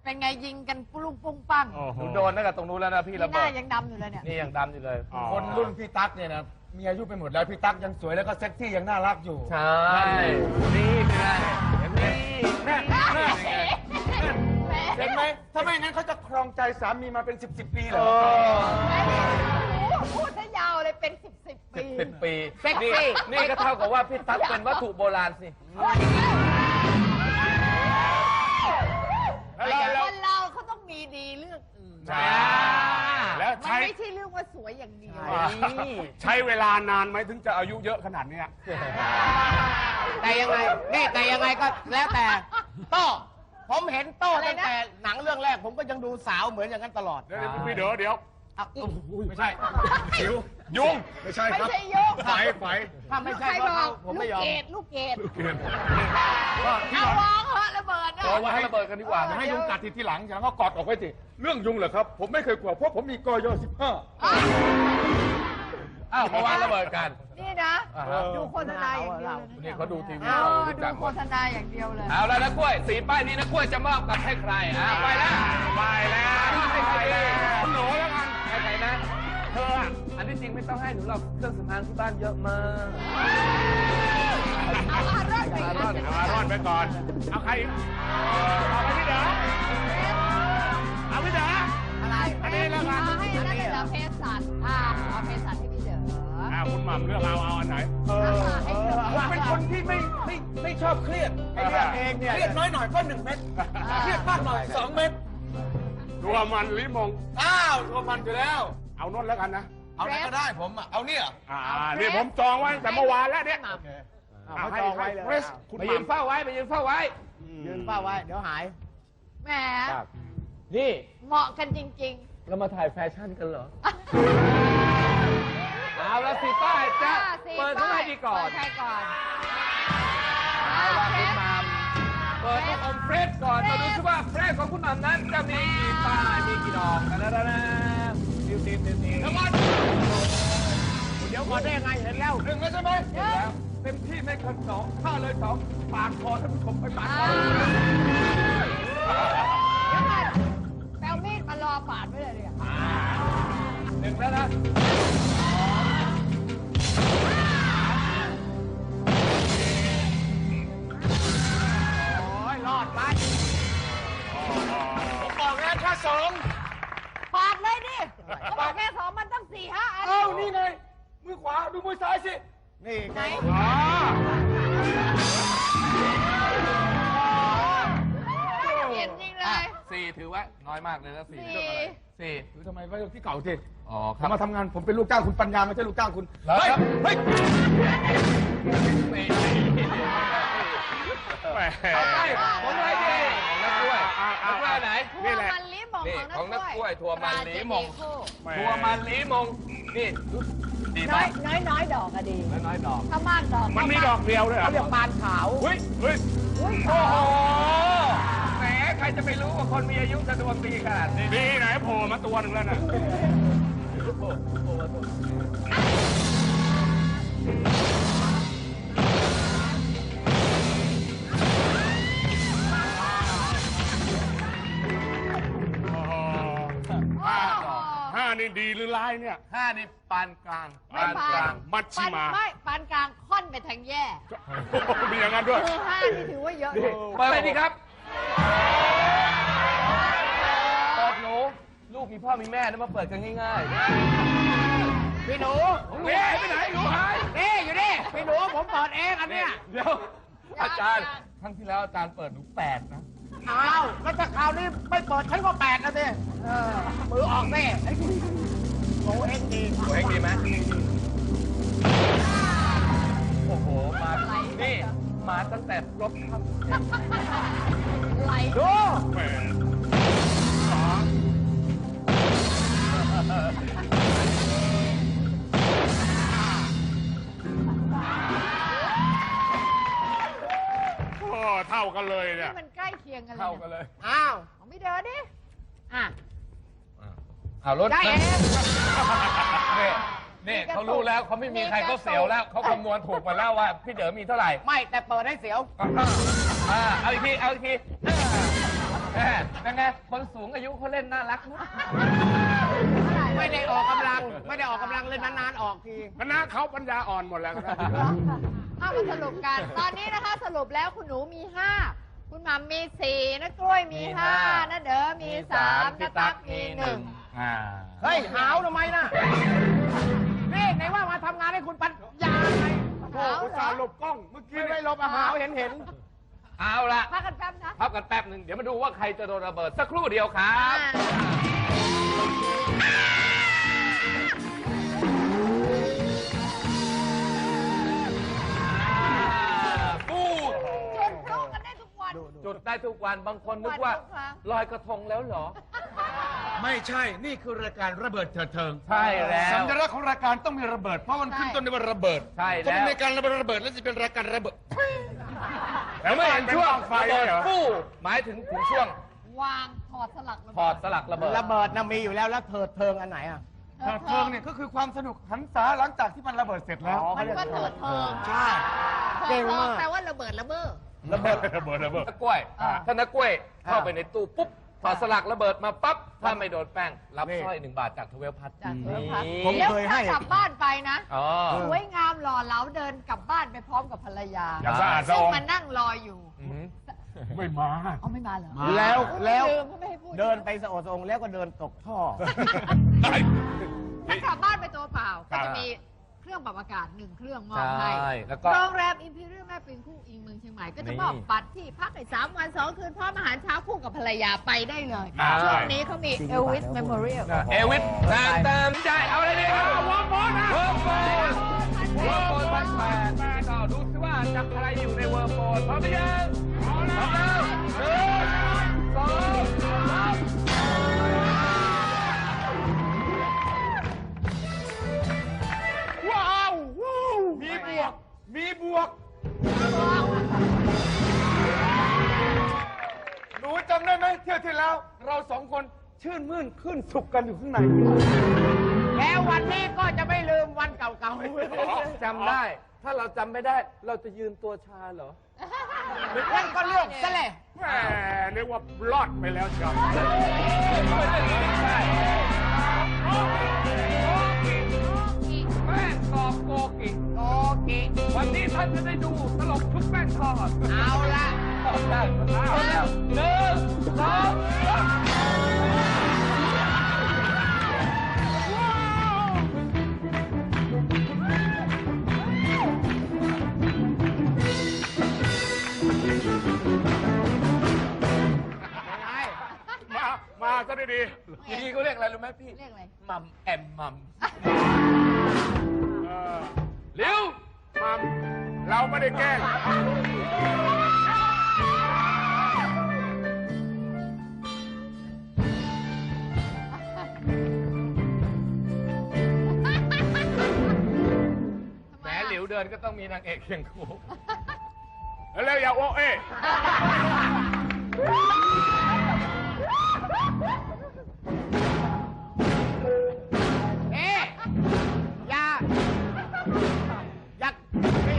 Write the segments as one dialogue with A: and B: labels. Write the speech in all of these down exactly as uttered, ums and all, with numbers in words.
A: เป็นไงยิงกันปุ้งปุ้งปัง
B: หนูโดนนั่นกับตรงนู้นแล้วนะพี่ระ
A: ห
B: เบิ
A: น้า
B: ด
A: ยังดำอยู่เลยเนี่ย
B: นี่ยังดำอยู่เลย
C: คนรุ่นพี่ตั๊กเนี่ยนะมีอายุไปหมดแล้วพี่ตั๊กยังสวยแล้วก็เซ็กซี่ยังน่ารักอยู่
B: ใช่นี่เป็นไงเห็นไหม
C: แน่แน่
A: แหม
C: เห็นไหมถ้าไม่งั้นเขาจะครองใจสามีมาเป็นสิบสิบปีเหร
B: เอ
C: อ
B: อ
A: พูดซะยาวเลยเป็นสิบสิบปี
B: สิบปี
A: เซ็กซี่
B: นี่นี่ก็เท่ากับว่าพี่ตั๊กเป็นวัตถุโบราณสิ
A: คนเราเขาต้องมีดีเรื่องอื่น
D: ใช่แล้ว
A: มัน
D: ใช้
A: ไม่ใช่เรื่องว่าสวยอย่างเดียว
D: ใช้เวลานานไหมถึงจะอายุเยอะขนาดเนี้ย
E: แต่ยังไงนี่แต่ยังไงก็แล้วแต่โต้ผมเห็นโต้ตั้งแต่หนังเรื่องแรก ผมก็ยังดูสาวเหมือนอย่างนั้นตลอด
D: เดี๋ยวพี่เดี๋ยวเดี๋ยว
E: อ่ะ
C: ไม่ใช่สิวยุงไม่ใช่
A: ไม่
C: ครับ
A: ใช่ยก
C: ไฟไฟ
E: ถ้าไม่ใช่
A: ใคร
E: ก็
A: บอก
E: ผม
A: ลู
E: ไม่
A: ก
E: ยอม
A: เกดลูกเกด
C: ก็ที่
A: เอา
C: หลัง
A: วางเหอะระเบิดนะ
B: เอาไว้ให้ระเบิดกันดีกว่า
C: อย่าให้ยุงกัดทีที่หลังอย่างนั้นก็กอดออกไว้สิเรื่องยุงเหรอครับ ผมไม่เคยกลัวเพราะผมมีกยสิบห้า
B: อ้าวมาวางระเบิดกัน
A: นี่นะ
B: อ่าฮะ
A: ดูโฆษณาอย่างเดียวเลยะ
B: นี่เขาดูทีวี
A: เอ
B: เรา
A: อ
B: รู้
A: ดู
B: จักห
A: โฆ
B: มด
A: ษณาอย่างเดียวเลย
B: เอาแล้วนะกล้วยสีป้ายนี้นะกล้วยจะมอบกับให้ใครอ่ะไปแล้ว
D: ไปแล้ว
B: ให้ใครดี
D: คุณหนูแล้วกัน
B: ให้ใครนะ
D: เธออะ
B: อันที่จริงไม่ต้องให้หนูหรอกเครื่องสำอางที่บ้านเยอะมาก
A: เอาอารอนไป
B: อารอน
D: เอามารอดไปก่อน เอาใครอีกเอาไปพี่เด๋อเอาพี่เด๋อ
A: อะไร
D: อันนี้แล้วกัน
A: เอาให้อันนั้นเลยเหรอเพศสัตว์อ่าเอาเพศสัตว์ให้พี่เด๋อ
D: อ่าคุณหม่ำเลือกเอาเอาอันไหน
C: เออ
A: ให้เลือก
C: ผมเป็นคนที่ไม่ไม่ไม่ชอบเครียดไอ้เรื่องเองเนี่ยเครียดน้อยหน่อยก็หนึ่งเม็ดเครียดมากหน่อยสองเม็ด
D: ตัวมันลิมง
C: อ้าวตัวมันอยู่แล้ว
D: เอานนแล้วกันนะ
C: เอาไหนก็ได้ผมอ่ะเอาเนี่ย
D: อ่านี่ผมจองไว้ตั้งแต่เมื่อวานแล้วเนี่ย
E: เขาจองไว้เลย
D: เฟรชคุณ
B: ไป
D: ห
B: ยืน
D: ม่ำ
B: เฝ้าไว้ไปยืนเฝ้าไว้
E: ยืนเป้าไว้ เดี๋ยวหาย
A: แหม
B: นี่
A: เหมาะกันจริง
B: เรามาถ่ายแฟชั่นกันเหรอ
A: ๆ
B: เอาละสีป้ายจะ
A: อ่าสี่
B: เปิดเท่าไหร่ดีก่อน
A: เปิดใครก่อน
B: เอาละ
A: เฟ
B: คุณ
A: ส
B: หมัมเปิดลูกอมเฟรชก่อน มาดูซิว่าเฟรชของคุณหมัมนั้นจะมีกี่ป้ายมีกี่ดอกกันแล้วนะดิวดิวดิวดิว
E: เดี๋ยวก่อนได้ยังไงเห็นแล้ว
C: หนึ่งแล้วใช่ไหม
B: เห็นแล้วเต็มที่ไม่เกินสองถ้าเลยสองปาดคอท่านผู้ชมไปปาดค
A: อ่า
B: อ
A: เดี๋ยวก่อนแปลมีดมารอปาดไว้เลยเนี่ย
B: หนึ่งแล้วนะ
E: โอ้ยรอดไป
C: ผมบอกแล้วค่าสอง
A: ปาดเลยดิเขาบอกแค่สองมันต้องสี่ห้าอัน
C: เอ้านี่ไงมือขวาดูมือซ้ายสิ
E: นี่
A: ไหน
E: ไง
D: อ๋อ
A: เห็นจริงเลย
B: สี่ถือว่าน้อยมากเลยนะสี่
A: สี่
B: สี่
C: ดูทำไมไว้ที่เก่าสิ
B: อ๋อค
C: ผ
B: รับ
C: มมาทำงานผมเป็นลูกจ้างคุณปัญญาไม่ใช่ลูกจ้างคุณ
B: แล้ว
C: เฮ้ย
B: ครับ
C: เฮ้ย
B: สี่
D: แหม
B: เอาไปของอะไรดีของนักกล้วยนักกล้วยไหน
A: ทั่วมันลิ้มของ
B: นี่ของนักกล้วยถั่วมันลิ้มง
D: แหม
B: ทัวมันลีมง นี่ดี
A: น้อ
B: มาย ก
A: น้อยน้อยดอกอะดี
B: น้อยๆดอก
A: ถ้ามากดอก
D: มันมีดอกเดียวเลยเหรอ
E: เขาเรียกปานขาว
D: เฮ้ยเฮ้ย
A: อุ้ย
B: โอ้โห แหม ใครจะไปรู้ว่าคนมีอายุจะดวงดีขนาดนี้
D: ดีไหนโผล่มาตัวหนึ่งแล้วน่ะ
B: ห้าดอก
D: ห้านี่ดีหรือร้ายเนี่ย
B: ห้านี่ปานกลาง
A: ไม่ปาน
B: กลาง
D: มัชชิมา
A: ปนไม่ปานกลางค่อนไปทางแย่
D: มีอย่างนั้นด้วย
A: คือห้านี่ถือว่าเยอะ
B: เปิดเลยดีครับ เปิดหนู ลูกมีพ่อมีแม่นะมาเปิดกันง่าย
E: พี่หนู
B: ๆเฮ้ยไปไหนหนูหาย
E: นี่อยู่นี่พี่หนูผมเปิดเองอันเนี้ย
B: เดี๋ยว อาจารย์ ครั้งที่แล้วอาจารย์เปิดหนูแปดนะ
E: อ้าวแล้วถ้าคราวนี้ไม่เปิดฉันก็แปดนะสิเออมือออกสิโอ้เอ็งดี
B: ตัวเองดีไหมโอ้โห มา นี่ มาตั้งแต่รบครับ
A: ไหล
E: ดู
D: แหม โอ้เท่ากันเลยเนี่ย
A: มันใกล้เคียงกันเลย
B: เข้ากันเลย
E: อ้าว
A: ของพี่เดินดิ อ่ะ
B: เอารถ
A: ได้เอง
B: นี่นี่เขารู้แล้วเขาไม่มีใครเขาเสียวแล้วเขาคำนวณถูกมาแล้วว่าพี่เด๋อมีเท่าไหร่
E: ไม่แต่เปิดให้เสียว
B: อ่าอ่าเอาอีกที เอาอีกทีอ่าแม่เป็นไงคนสูงอายุเขาเล่นน่ารักนะ
E: ไม่ได้ออกกำลัง ไม่ได้ออกกำลังเลยนานๆออกที
D: คณะเขาปัญญาอ่อนหมดแล้วครับ
A: เอามาสรุปกัน ตอนนี้นะคะสรุปแล้วคุณหนูมีห้าคุณหม่ำมีสี่นะกล้วยมีห้านะเด๋อมีสามนะตั๊กมีหนึ่ง
B: อ่า
E: เฮ้ย หาวทำไมนะนี่ไหนว่ามาทำงานให้คุณปัญญาไง
A: หาว
D: อุต
A: เหร
D: ส่า
A: อ
D: ห์หลบกล้อง เมื่อกี้
E: ไม่ได้
D: ไม่
E: ลบอาหาวเห็นเห็น
B: เอาละ
A: พักกันแป๊บนะ
B: พักกันแป๊บหนึ่งเดี๋ยวมาดูว่าใครจะโดนระเบิดสักครู่เดียวครับ ปูด
A: จนพร้อมกันได้ทุกวัน
B: จุดได้ทุกวันบางคนนึกว่า
A: ทุกครั้ง
B: ลอยกระทงแล้วเหรอ
C: ไม่ใช่ นี่คือรายการระเบิดเถิดเทิง
B: ใช่แล้ว
C: สัญลักษณ์ของรายการต้องมีระเบิด เพราะมันขึ้นต้นด้วยว่าระเบิด
B: ใช่แล้ว
C: ต้องเป็นรายการระเบิดระเบิดแล้วจะเป็นรายการระเบิด
B: แล้วไม่เห็นช่วง
D: ไฟ
B: ระเบิด
D: เหรอ
B: ปูหมายถึงถึงช่วง
A: วางถอดสลักระ
B: ถ
A: เบิ
B: อ
A: ด
B: ดสลักระเบิด
E: ระเบิดนะมีอยู่แล้วแล้วเถิดเทิงอันไหนอ่ะ
C: เถิดเทิงเนี่ยก็คือความสนุกหันษาหลังจากที่มันระเบิดเสร็จแล้ว
E: อ๋อ
A: มันก็เถิดเทิง
C: ใช่
A: เถิ
E: เก่
A: ด
E: ง
A: เทิ
E: มาง ก
A: แปลว่าระเบิดระเบ้อ
B: ระเบิด
D: ระเบิดระเบิด
B: นักกล้วย
A: อ่า
B: ถ้านักกล้วยเข้า
E: อ่า
B: ไปในตู้ปุ๊บถอดสลักระเบิดมาปั๊บถ้าไม่โดนแป้งรับ
E: นี่
B: สร้อยหนึ่งบาทจากทเวลพัท
A: จากเทิงพัก
E: ผม
A: แล้ว
E: เคยให้
A: ถ้ากลับบ้านไปนะ
B: อ๋อ
A: สวยงามหล่อเหลาเดินกลับบ้านไปพร้อมกับภรรยา
D: อย่าสะอาดสะ
A: ซึ่ง
D: ออง
A: มันนั่งรออยู่
B: อืม
D: ไม่มา
A: เอาไม่มาเหรอ
E: แล้วแล้ว
A: ลืมเขาไม่ให้พูด
E: เดินไปสะโอดสะองแล้วก็เดินตกท่อ
A: ถ้ากลับบ้านไปตัวเปล่า
B: ครั
A: ก็
B: บ
A: จะมีเครื่องปรับอากาศหนึ่งเครื่องมอบให้
B: ใช่แล้วก็
A: โรงแรมอิมพีเรียลแม่ปิงคู่อิงเมืองเชียงใหม่ก็จะ
B: นี่
A: มอบบัตรที่พักในสามวันสองคืนพร้อมอาหารเช้าคู่กับภรรยาไปได้เลย
B: อ่า
A: ช่วงนี้เขามีเอลวิสเมมโมเรียล
B: เอวิสตามตามใจเอาอะไรดีเอาวอร์มบอลนะวอร์มบอลวอร์มบอลพันแปดก็ดูสิว่าจะใครอยู่ในวอร์มบอลพร้อมหรือยังพร้อมแล้วหนึ่งสองสามว้าวว้าว
C: มีบวก มีบวก หนูจำได้ไหมเที่ยวที่แล้ว เราสองคนชื่นมื่นขึ้นสุขกันอยู่ข้างใน
E: แล้ววันนี้ก็จะไม่ลืมวันเก่าๆ
B: จำได้ ถ้าเราจำไม่ได้ เราจะยืนตัวชาเหรอ
E: นั่นก็เรื่องซะเลย
D: แหมเรียกว่ารอดไปแล้วจ้ะ
B: แป้งตอบโกกิ
E: โอเค
B: วันนี้ท่านจะได้ดูตลกชุบแป้งทอด
E: เอาละ
B: เอาได้เอาแล้วหนึ่งสองสาม
D: มา มาซะดี
B: ทีนี้เขาเรียกอะไรรู้ไหมพี่
A: เรียกอะไร
B: มัมแอมมัม
D: ๆเออ
B: เร็ว
D: มัมเราไม่ได้แกล้ง
B: แหมหลิวเดินก็ต้องมีนางเอกเคียงคู่
D: แล้วอย่าโอ้เอ้
E: เอ๊ะอย่า อย่านี่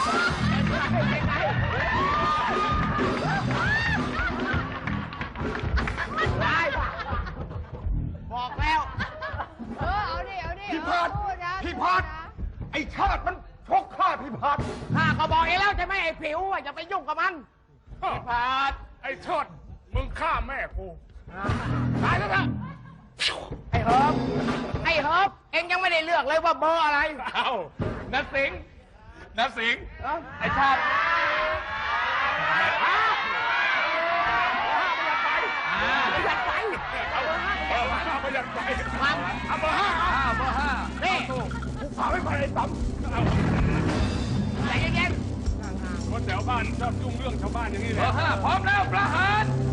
E: ได้บอกแล้ว
A: เออเอาดิเอาดิ
C: พี่พัด
A: เออพูดนะ
C: พี่พัด ไอ้ชาติมันชกข้าพี่พัด
E: ข้าก็บอกเองแล้วใช่ไหมไอ้ผิวอ่ะอย่าไปยุ่งกับมัน
D: พี่พาดไอ้เชิดมึงฆ่าแม่กู
E: ตายแล้วนะไอ้เฮิร์บไอ้เฮิร์บเองยังไม่ได้เลือกเลยว่าเบอร์อะไร
D: เอ้า
B: นัดสิงห์นัดสิงห์
E: เอ้า
B: ไอชาติ
E: ไม่อยากไป
D: เอาเบอร์ห้าประหยัดไป
E: มัน
D: เอาเบอร์ห้า
B: ห้าเบอร์ห้า
E: นี่
D: กูฝากไว้ก่อนไอ้ตั้มเอา
E: ใจเย็น
D: คนแถวบ้านชอบยุ่งเรื่องชาวบ้านอย่างนี้
B: เบ
D: เล
B: อย ร์ห้าพร้อมแล้วประหาร
E: ๆ